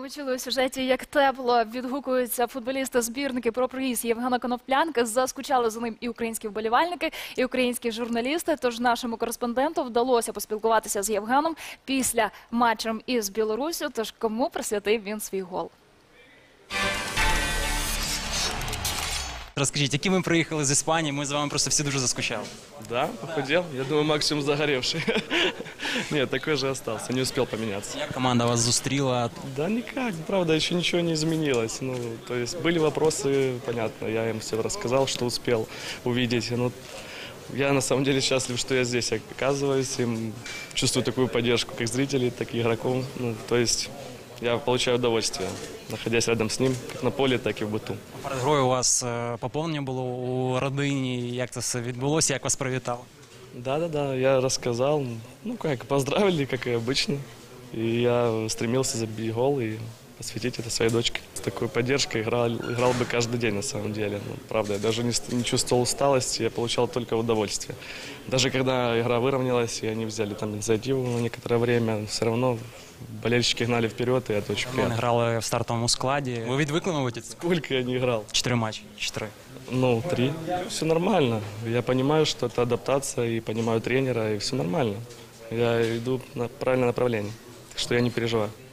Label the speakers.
Speaker 1: ви чули у сюжеті, як тепло відгукуються футболісти-збірники про приїзд Євгена Коноплянки. Заскучали за ним і українські вболівальники, і українські журналісти. Тож нашому кореспонденту вдалося поспілкуватися з Євгеном після матчем із Білоруссю. Тож кому присвятив він свій гол?
Speaker 2: Розкажіть, які ми приїхали з Іспанії, ми з вами просто всі дуже заскучали.
Speaker 3: Да, похудел. Я думаю, максимум загоревший. Нет, такой же остался, не успел поменяться.
Speaker 2: Як команда вас зустріла?
Speaker 3: Да никак, правда, еще ничего не изменилось. Ну, то есть были вопросы, понятно, я им все рассказал, что успел увидеть. Ну, я на самом деле счастлив, что я здесь оказываюсь, и чувствую такую поддержку как зрителей, так и игроков. Ну, то есть я получаю удовольствие, находясь рядом с ним, как на поле, так и в быту.
Speaker 2: Перед грою у вас поповнення було у родині, як це все відбулося, як вас привітали?
Speaker 3: Да, я рассказал, ну как, поздравили, как и обычно. И я стремился забить гол и посвятить это своей дочке. С такой поддержкой играл бы каждый день на самом деле. Ну, правда, я даже не чувствовал усталости, я получал только удовольствие. Даже когда игра выровнялась, и они взяли там инициативу на некоторое время, все равно болельщики гнали вперед, и это очень
Speaker 2: Ми
Speaker 3: приятно.
Speaker 2: грали в стартовому складі. Ви відвикли, мабуть,
Speaker 3: Сколько я не играл?
Speaker 2: 4 матчі? 4.
Speaker 3: Ну, 3. Все нормально. Я понимаю, что это адаптация, и понимаю тренера, и все нормально. Я иду на правильное направление, так что я не переживаю.